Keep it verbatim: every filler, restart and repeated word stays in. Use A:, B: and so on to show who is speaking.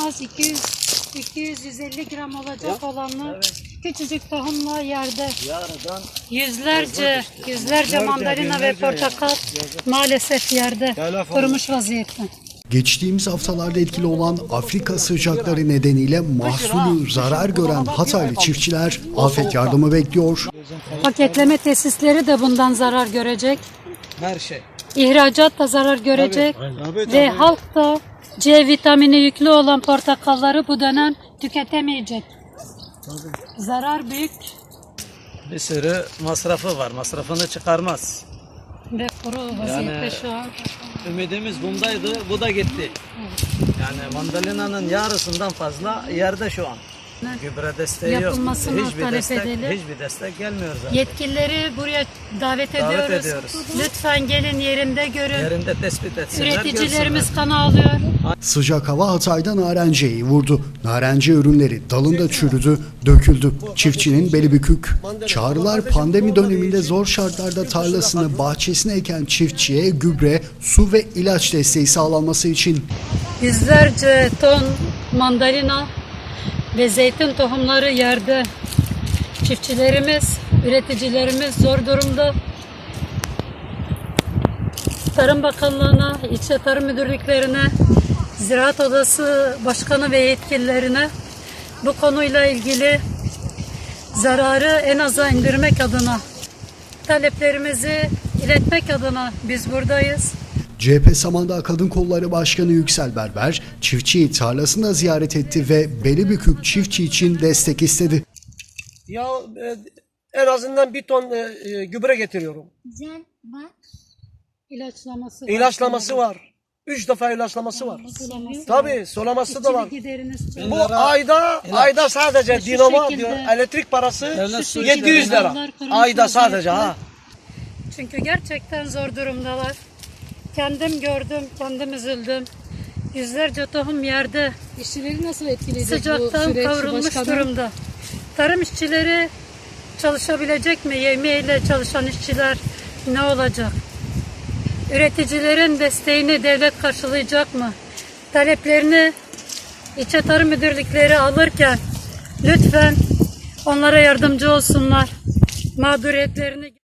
A: az iki yüz iki yüz yüz elli gram olacak
B: Ya,
A: olanlar
B: evet.
A: küçücük tohumla yerde.
B: Yarıdan
A: Yüzlerce, yüzlerce mandalina ve
B: binlerce
A: portakal maalesef yerde
B: Telefon.
A: kurumuş vaziyette.
C: Geçtiğimiz haftalarda etkili olan Afrika sıcakları nedeniyle mahsulü zarar gören Hataylı çiftçiler afet yardımı bekliyor.
A: Paketleme tesisleri de bundan zarar görecek.
B: her şey.
A: İhracat da zarar görecek.
B: Tabii,
A: Ve halk da C vitamini yüklü olan portakalları bu dönem tüketemeyecek. Zarar büyük
B: Bir sürü masrafı var. Masrafını çıkarmaz.
A: ve kuru vaziyette
B: Yani-
A: şu an.
B: Ümidimiz bundaydı. Bu da gitti. Yani mandalinanın yarısından fazla yerde şu an. Gübre desteği yok.
A: Yapılmasını
B: Hiçbir
A: talep
B: destek,
A: edelim.
B: hiçbir destek gelmiyor zaten.
A: Yetkilileri buraya davet,
B: Davet
A: ediyoruz.
B: ediyoruz.
A: Lütfen gelin yerinde görün.
B: Yerinde tespit etsinler,
A: Üreticilerimiz
B: görsünler.
A: kan ağlıyor.
C: Sıcak hava Hatay'da narenciyeyi vurdu. Narenciye ürünleri dalında çürüdü, döküldü. Çiftçinin beli bükük. Çağrılar pandemi döneminde zor şartlarda tarlasını, bahçesine eken çiftçiye gübre, su ve ilaç desteği sağlanması için.
A: Yüzlerce ton mandalina ve zeytin tohumları yerde. Çiftçilerimiz, üreticilerimiz zor durumda. Tarım Bakanlığı'na, ilçe tarım müdürlüklerine, Ziraat Odası Başkanı ve yetkililerine bu konuyla ilgili zararı en aza indirmek adına, taleplerimizi iletmek adına biz buradayız.
C: C H P Samandağ Kadın Kolları Başkanı Yüksel Berber, çiftçiyi tarlasında ziyaret etti ve beli bükük çiftçi için destek istedi.
D: Ya e, en azından bir ton e, e, gübre getiriyorum.
A: Güzel, bak. İlaçlaması var.
D: İlaçlaması var. Üç defa ilaçlaması var.
A: Sulaması
D: Tabii sulaması da var.
A: İşçilik gideriniz çok.
D: Bu ayda ayda sadece
A: Şu
D: dinamo
A: şekilde-
D: diyor elektrik parası
B: Devlet su
D: yedi yüz lira.
A: işleri-
D: Ayda sadece ha.
A: Çünkü gerçekten zor durumdalar. Kendim gördüm, kendim üzüldüm. Yüzlerce tohum yerde
E: İşçileri nasıl etkileyecek bu
A: sıcaktan
E: süreç
A: kavrulmuş
E: başkanım?
A: durumda. Tarım işçileri çalışabilecek mi? Yemeğiyle çalışan işçiler ne olacak? Üreticilerin desteğini devlet karşılayacak mı? Taleplerini ilçe tarım müdürlükleri alırken lütfen onlara yardımcı olsunlar. Mağduriyetlerini